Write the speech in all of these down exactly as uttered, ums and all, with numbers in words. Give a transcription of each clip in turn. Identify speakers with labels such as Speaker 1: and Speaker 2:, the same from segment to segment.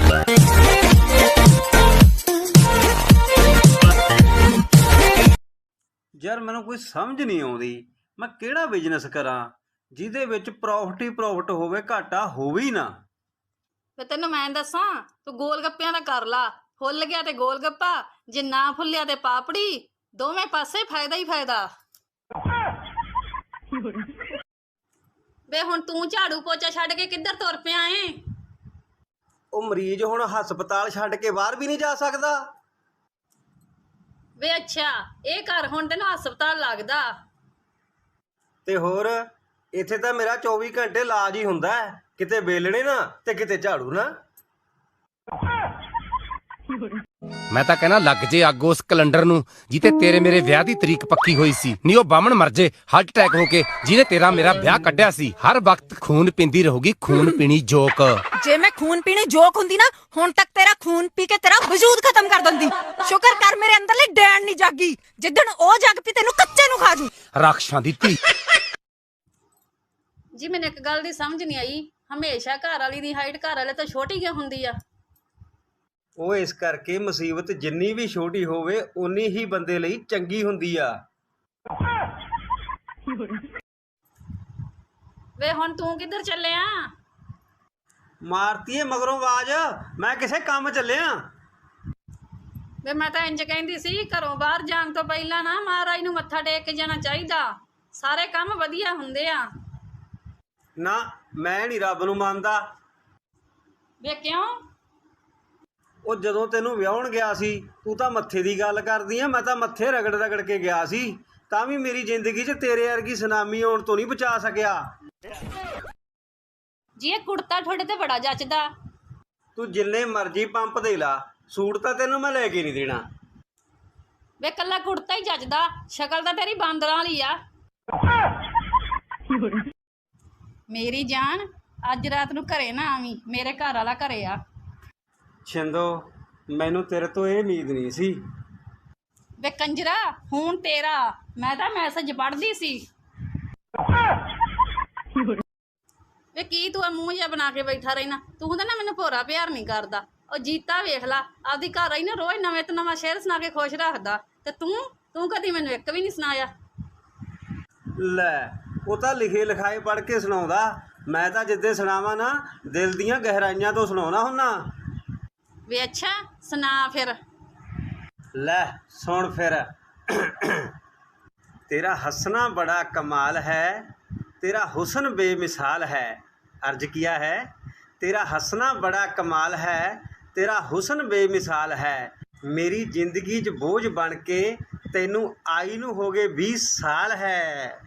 Speaker 1: यार मैनू कोई समझ नहीं आती मैं किहड़ा बिजनेस करा जिहदे विच प्रॉफिट ही प्रॉफिट होवे घाटा होवे ही ना।
Speaker 2: वे तेन मैं दसा तू गोल गप्पियां दा कर ला, फुल गया ते गोल गप्पा, जे ना फुलिया ते पापड़ी, दोवें पासे फायदा ही फायदा। वे हुण तू झाड़ू पोचा छड्ड के किधर तुर पिया है?
Speaker 1: ਉਹ ਮਰੀਜ਼ ਹੁਣ ਹਸਪਤਾਲ ਛੱਡ ਕੇ ਬਾਹਰ ਵੀ ਨਹੀਂ ਜਾ ਸਕਦਾ।
Speaker 2: वे अच्छा ये घर हुण तेन हस्पताल लगदा
Speaker 1: ਤੇ ਹੋਰ ਇੱਥੇ ਤਾਂ ਮੇਰਾ चौबीस ਘੰਟੇ ਇਲਾਜ ਹੀ ਹੁੰਦਾ ਹੈ, ਕਿਤੇ ਵੇਲਣੇ ਨਾ ਤੇ ਕਿਤੇ ਝਾੜੂ ਨਾ।
Speaker 3: मैं तो कहना लग जे अग उस कैलेंडर नूं जिते तेरे मेरे ब्याह दी तरीक पक्की हुई सी, नी ओ बामण मर जे हार्ट अटैक होके जिने तेरा मेरा ब्याह कड्ढिया सी। हर वक्त खून पींदी रहूगी, खून पीनी जोक।
Speaker 4: जे मैं खून पीने जोक हुंदी ना हुण तक तेरा खून पी के तेरा वजूद खत्म कर दिंदी। शुक्र कर मेरे अंदरली डैन नहीं जागी, जिद्दण ओ जग पी तेनू कच्चे नू खा जू।
Speaker 3: राक्षसां दी धी
Speaker 2: जी मैनूं एक गल दी समझ नहीं आई, हमेशा घर वाली दी हाइट घर वाले तो छोटी क्यों हुंदी आ?
Speaker 1: ਉਹ ਇਸ ਕਰਕੇ ਮੁਸੀਬਤ ਜਿੰਨੀ ਵੀ ਛੋਟੀ ਹੋਵੇ ਉਨੀ ਹੀ ਬੰਦੇ ਲਈ ਚੰਗੀ ਹੁੰਦੀ ਆ।
Speaker 2: ਵੇ ਹੁਣ ਤੂੰ ਕਿੱਧਰ ਚੱਲਿਆ?
Speaker 1: ਮਾਰਤੀਏ ਮਗਰੋਂ ਆਵਾਜ਼, ਮੈਂ ਕਿਸੇ ਕੰਮ ਚੱਲਿਆ।
Speaker 2: ਵੇ ਮੈਂ ਤਾਂ ਇੰਜ ਕਹਿੰਦੀ ਸੀ ਘਰੋਂ ਬਾਹਰ ਜਾਣ ਤੋਂ ਪਹਿਲਾਂ ਨਾ ਮਹਾਰਾਜ ਨੂੰ ਮੱਥਾ ਟੇਕ ਕੇ ਜਾਣਾ ਚਾਹੀਦਾ, ਸਾਰੇ ਕੰਮ ਵਧੀਆ ਹੁੰਦੇ ਆ।
Speaker 1: ਨਾ ਮੈਂ ਨਹੀਂ ਰੱਬ ਨੂੰ ਮੰਨਦਾ।
Speaker 2: ਵੇ ਕਿਉਂ?
Speaker 1: ਉਹ ਜਦੋਂ ਤੈਨੂੰ ਵਿਆਹਣ ਗਿਆ ਸੀ ਤੂੰ ਤਾਂ ਮੱਥੇ ਦੀ ਗੱਲ ਕਰਦੀ ਆ, ਮੈਂ ਤਾਂ ਮੱਥੇ ਰਗੜ ਰਗੜ ਕੇ ਗਿਆ ਸੀ, ਤਾਂ ਵੀ ਮੇਰੀ ਜ਼ਿੰਦਗੀ 'ਚ ਤੇਰੇ ਵਰਗੀ ਸੁਨਾਮੀ ਆਉਣ ਤੋਂ ਨਹੀਂ ਬਚਾ ਸਕਿਆ।
Speaker 2: ਜੀ ਇਹ ਕੁੜਤਾ ਤੁਹਾਡੇ ਤੇ ਬੜਾ ਜੱਚਦਾ।
Speaker 1: ਤੂੰ ਜਿੰਨੇ ਮਰਜ਼ੀ ਪੰਪ ਦੇ ਲਾ, ਸੂਟ ਤਾਂ ਤੈਨੂੰ ਮੈਂ ਲੈ ਕੇ ਨਹੀਂ ਦੇਣਾ।
Speaker 2: ਵੇ ਕੱਲਾ ਕੁੜਤਾ ਹੀ ਜੱਚਦਾ, ਸ਼ਕਲ ਤਾਂ ਤੇਰੀ ਬਾਂਦਰਾਂ ਵਾਲੀ ਆ। ਮੇਰੀ ਜਾਨ ਅੱਜ ਰਾਤ ਨੂੰ ਘਰੇ ਨਾ ਆਵੀਂ, ਮੇਰੇ ਘਰ ਵਾਲਾ ਘਰੇ ਆ।
Speaker 1: ਛਿੰਦੋ ਮੈਨੂੰ ਤੇਰੇ ਤੋਂ ਇਹ ਉਮੀਦ ਨਹੀਂ ਸੀ।
Speaker 2: ਵੇ ਕੰਜਰਾ ਹੁਣ ਤੇਰਾ, ਮੈਂ ਤਾਂ ਮੈਸੇਜ ਪੜ੍ਹਦੀ ਸੀ। ਵੇ ਕੀ ਤੂੰ ਮੂੰਹ ਜਿਹਾ ਬਣਾ ਕੇ ਬੈਠਾ ਰਹਿਣਾ? ਤੂੰ ਤਾਂ ਨਾ ਮੈਨੂੰ ਭੋਰਾ ਪਿਆਰ ਨਹੀਂ ਕਰਦਾ। ਉਹ ਜੀਤਾ ਵੇਖ ਲਾ ਆਪਦੀ ਘਰ ਆਈ ਨਾ ਰੋਜ਼ ਨਵੇਂ ਤੋਂ ਨਵਾਂ ਸ਼ੇਰ ਸੁਣਾ ਕੇ ਖੁਸ਼ ਰੱਖਦਾ, ਤੇ ਤੂੰ ਤੂੰ ਕਦੀ ਮੈਨੂੰ ਇੱਕ ਵੀ ਨਹੀਂ ਸੁਣਾਇਆ।
Speaker 1: ਲੈ ਉਹ ਤਾਂ ਲਿਖੇ ਲਿਖਾਏ ਪੜ੍ਹ ਕੇ ਸੁਣਾਉਂਦਾ, ਮੈਂ ਤਾਂ ਜਿੱਦੇ ਸੁਣਾਵਾਂ ਨਾ ਦਿਲ ਦੀਆਂ ਗਹਿਰਾਈਆਂ ਤੋਂ ਸੁਣਾਉਣਾ ਹੁੰਨਾ।
Speaker 2: ਵੇ ਅੱਛਾ ਸੁਣਾ ਫਿਰ।
Speaker 1: ਲੈ ਸੁਣ ਫਿਰ। तेरा हंसना बड़ा कमाल है, तेरा हुस्न बेमिसाल है। अर्ज किया है तेरा हंसना बड़ा कमाल है, तेरा हुस्न बेमिसाल है। मेरी जिंदगी च बोझ बन के तैनू आई नू हो गए बीस साल है।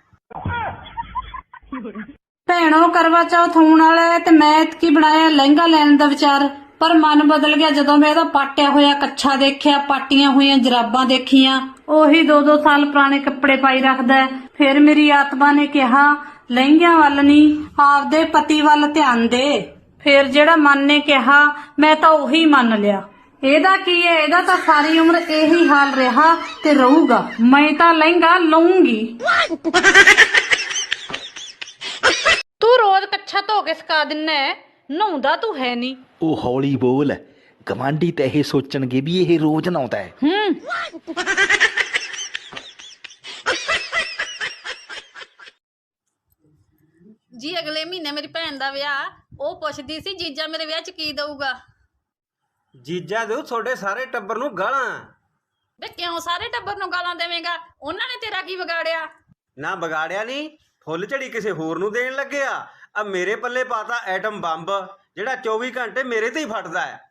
Speaker 5: ਭੈਣੋ ਕਰਵਾ ਚੌਥ ਹੋਣ ਵਾਲਾ ਹੈ ਤੇ ਮੈਂ ਇਤਕੀ ਬਣਾਇਆ ਲਹਿੰਗਾ ਲੈਣ ਦਾ ਵਿਚਾਰ, ਪਰ ਮਨ ਬਦਲ ਗਿਆ ਜਦੋਂ ਮੈਂ ਇਹਦਾ ਪਾਟਿਆ ਹੋਇਆ ਕੱਛਾ ਦੇਖਿਆ, ਪਾਟੀਆਂ ਹੋਈਆਂ ਜਰਾਬਾਂ ਦੇਖੀਆਂ। ਉਹੀ ਦੋ ਦੋ ਸਾਲ ਪੁਰਾਣੇ ਕੱਪੜੇ ਪਾਈ ਰੱਖਦਾ ਹੈ। ਫਿਰ ਮੇਰੀ ਆਤਮਾ ਨੇ ਕਿਹਾ ਲਹਿੰਗਿਆਂ ਵੱਲ ਨਹੀਂ ਆਪਦੇ ਪਤੀ ਵੱਲ ਧਿਆਨ ਦੇ। ਫਿਰ ਜਿਹੜਾ ਮਨ ਨੇ ਕਿਹਾ ਮੈਂ ਤਾਂ ਉਹੀ ਮੰਨ ਲਿਆ। ਇਹਦਾ ਕੀ ਹੈ, ਇਹਦਾ ਤਾਂ ਸਾਰੀ ਉਮਰ ਇਹੀ ਹਾਲ ਰਿਹਾ ਤੇ ਰਹੂਗਾ। ਮੈਂ ਤਾਂ ਲਹਿੰਗਾ ਲਊਂਗੀ। ਤੂੰ ਰੋਜ਼ ਕੱਛਾ ਧੋ ਕੇ ਸੁਕਾ ਦਿੰਨਾ, ਨਹਾਉਂਦਾ ਤੂੰ ਹੈ ਨਹੀਂ।
Speaker 6: ਉਹ ਹੌਲੀ ਬੋਲ, ਗਵਾਂਢੀ ਤਾਂ ਇਹ ਸੋਚਣਗੇ ਵੀ ਇਹ ਰੋਜ਼ ਨਹਾਉਂਦਾ ਹੈ।
Speaker 5: ਹੂੰ
Speaker 2: ਜੀ ਅਗਲੇ ਮਹੀਨੇ ਮੇਰੀ ਭੈਣ ਦਾ ਵਿਆਹ, ਉਹ ਪੁੱਛਦੀ ਸੀ ਜੀਜਾ ਮੇਰੇ ਵਿਆਹ 'ਚ ਕੀ ਦਊਗਾ।
Speaker 1: ਜੀਜਾ ਦਿਓ ਤੁਹਾਡੇ ਸਾਰੇ ਟੱਬਰ ਨੂੰ ਗਾਲਾਂ।
Speaker 2: ਵੇ ਕਿਉਂ ਸਾਰੇ ਟੱਬਰ ਨੂੰ ਗਾਲਾਂ ਦੇਵੇਂਗਾ? ਉਹਨਾਂ ਨੇ ਤੇਰਾ ਕੀ ਵਿਗਾੜਿਆ?
Speaker 1: ਨਾ ਵਿਗਾੜਿਆ ਨਹੀਂ, ਫੁੱਲ ਝੜੀ ਕਿਸੇ ਹੋਰ ਨੂੰ ਦੇਣ ਲੱਗਿਆ। ਆ ਮੇਰੇ ਪੱਲੇ ਪਾਤਾ ਐਟਮ ਬੰਬ, ਜਿਹੜਾ चौबीस घंटे मेरे ते ही फटता है।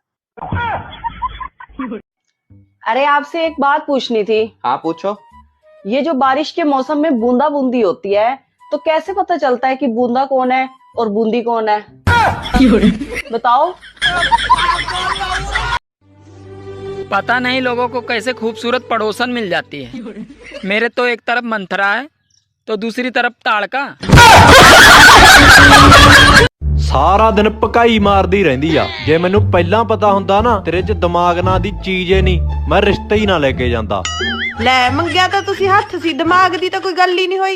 Speaker 7: अरे आपसे एक बात पूछनी थी।
Speaker 6: हाँ पूछो।
Speaker 7: ये जो बारिश के मौसम में बूंदा बूंदी होती है तो कैसे पता चलता है कि बूंदा कौन है और बूंदी कौन है? बताओ।
Speaker 8: पता नहीं लोगों को कैसे खूबसूरत पड़ोसन मिल जाती है। मेरे तो एक तरफ मंथरा है तो दूसरी तरफ ताड़का।
Speaker 9: ਸਾਰਾ ਦਿਨ ਭਕਾਈ ਮਾਰਦੀ ਰਹਿੰਦੀ ਆ। ਜੇ ਮੈਨੂੰ ਪਹਿਲਾਂ ਪਤਾ ਹੁੰਦਾ ਨਾ ਤੇਰੇ 'ਚ ਦਿਮਾਗ ਨਾਂ ਦੀ ਚੀਜ਼ ਏ ਨਹੀਂ, ਮੈਂ ਰਿਸ਼ਤਾ ਹੀ ਨਾ ਲੈ ਕੇ ਜਾਂਦਾ।
Speaker 10: ਲੈ ਮੰਗਿਆ ਤਾਂ ਤੁਸੀਂ ਹੱਥ ਸੀ, ਦਿਮਾਗ ਦੀ ਤਾਂ ਕੋਈ ਗੱਲ ਹੀ ਨਹੀਂ ਹੋਈ।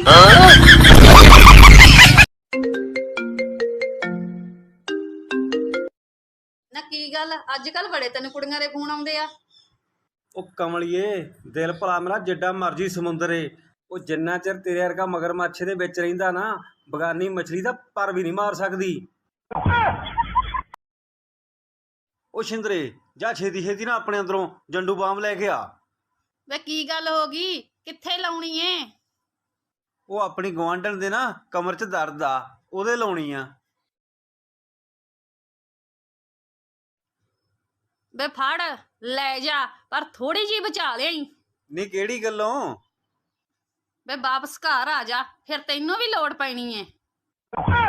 Speaker 2: ਨਾ ਕੀ ਗੱਲ ਅੱਜ ਕੱਲ ਬੜੇ ਤੈਨੂੰ ਕੁੜੀਆਂ ਦੇ ਫੋਨ ਆਉਂਦੇ ਆ?
Speaker 1: ਉਹ ਕਮਲੀਏ, ਦਿਲ ਭਲਾ ਮੇਰਾ ਜਿੱਡਾ ਮਰਜੀ ਸਮੁੰਦਰ ਏ, ਉਹ ਜਿੰਨਾ ਚਿਰ ਤੇਰੇ ਵਰਗਾ ਮਗਰਮੱਛ ਦੇ ਵਿੱਚ ਰਹਿੰਦਾ ਨਾ, ਬਗਾਨੀ ਮਛਲੀ ਦਾ ਪਰ ਵੀ ਨਹੀਂ ਮਾਰ ਸਕਦੀ। ਉਹ ਸ਼ਿੰਦਰੇ, ਜਾ ਛੇਤੀ ਛੇਤੀ ਨਾ ਆਪਣੇ ਅੰਦਰੋਂ ਜੰਡੂ ਬਾਮ ਲੈ ਕੇ ਆ।
Speaker 2: ਵੇ ਕੀ ਗੱਲ ਹੋ ਗਈ, ਕਿੱਥੇ ਲਾਉਣੀ ਏ?
Speaker 1: ਉਹ ਆਪਣੀ ਗੁਆਂਢਣ ਦੇ ਨਾ ਕਮਰ 'ਚ ਦਰਦ ਆ, ਉਹਦੇ ਲਾਉਣੀ ਆ।
Speaker 2: ਵੇ ਫੜ ਲੈ ਜਾ, ਪਰ ਥੋੜੀ ਜੀ ਬਚਾ ਲਿਆਈ।
Speaker 1: ਨਹੀਂ ਕਿਹੜੀ ਗੱਲੋਂ?
Speaker 2: ਵੇ ਵਾਪਸ ਘਰ ਆ ਜਾ, ਫਿਰ ਤੈਨੂੰ ਵੀ ਲੋੜ ਪੈਣੀ ਏ।